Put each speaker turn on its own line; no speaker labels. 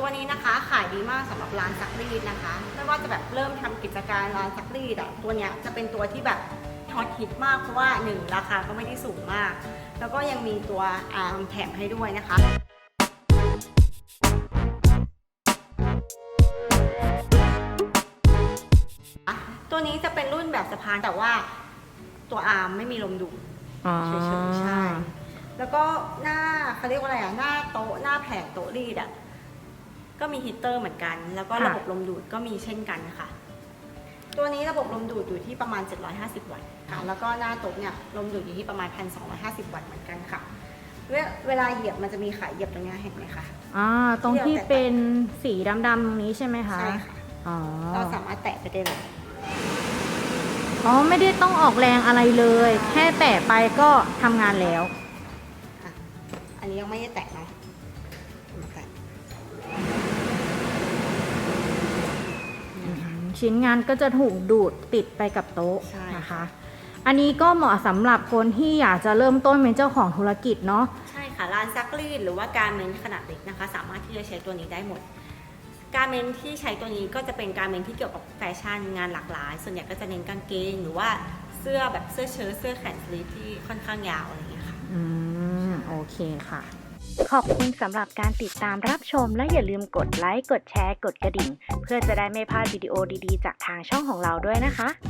ตัวนี้นะคะขายดีมากสำหรับร้านซักรีดนะคะไม่ว่าจะแบบเริ่มทำกิจการร้านซักรีดตัวเนี้ยจะเป็นตัวที่แบบฮอตฮิตมากเพราะว่า1ราคาก็ไม่ได้สูงมากแล้วก็ยังมีตัวอาร์มแถมให้ด้วยนะคะตัวนี้จะเป็นรุ่นแบบสะพานแต่ว่าตัวอาร์มไม่มีลมดูดเฉยๆใช่แล้วก็หน้าเขาเรียกว่าอะไรหน้าโต๊ะหน้าแผงโต๊ะรีดก็มีฮีตเตอร์เหมือนกันแล้วก็ระบบลมดูดก็มีเช่นกันค่ะตัวนี้ระบบลมดูดอยู่ที่ประมาณ750 วัตต์ค่ะแล้วก็หน้าโต๊ะเนี่ยลมดูดอยู่ที่ประมาณ1,250 วัตต์เหมือนกันค่ะเวลาเหยียบมันจะมีขาเหยียบตรงนี้เห็นไหมคะ
ตรงที่เป็นสีดำๆตรงนี้ใช่ไหมคะ
ใช่ค่ะเราสามารถแตะไปได้เลย
ไม่ได้ต้องออกแรงอะไรเลยแค่แตะไปก็ทำงานแล้ว
อันนี้ยังไม่ได้แตะเนาะ
ชิ้นงานก็จะถูกดูดติดไปกับโต๊ะนะคะอันนี้ก็เหมาะสำหรับคนที่อยากจะเริ่มต้นเป็นเจ้าของธุรกิจเนาะ
ใช่ค่ะร้านซักรีดหรือว่าการเมนขนาดเล็กนะคะสามารถที่จะใช้ตัวนี้ได้หมดการเมนที่ใช้ตัวนี้ก็จะเป็นการเมนที่เกี่ยวกับแฟชั่นงานหลากหลายส่วนใหญ่ก็จะเน้นกางเกงหรือว่าเสื้อแบบเสื้อเชิ้ตเสื้อแขนสลีฟที่ค่อนข้างยาวอะไรอย่างเงี้ยค่ะ
โอเคค่ะขอบคุณสำหรับการติดตามรับชมและอย่าลืมกดไลค์กดแชร์กดกระดิ่งเพื่อจะได้ไม่พลาดวิดีโอดีๆจากทางช่องของเราด้วยนะคะ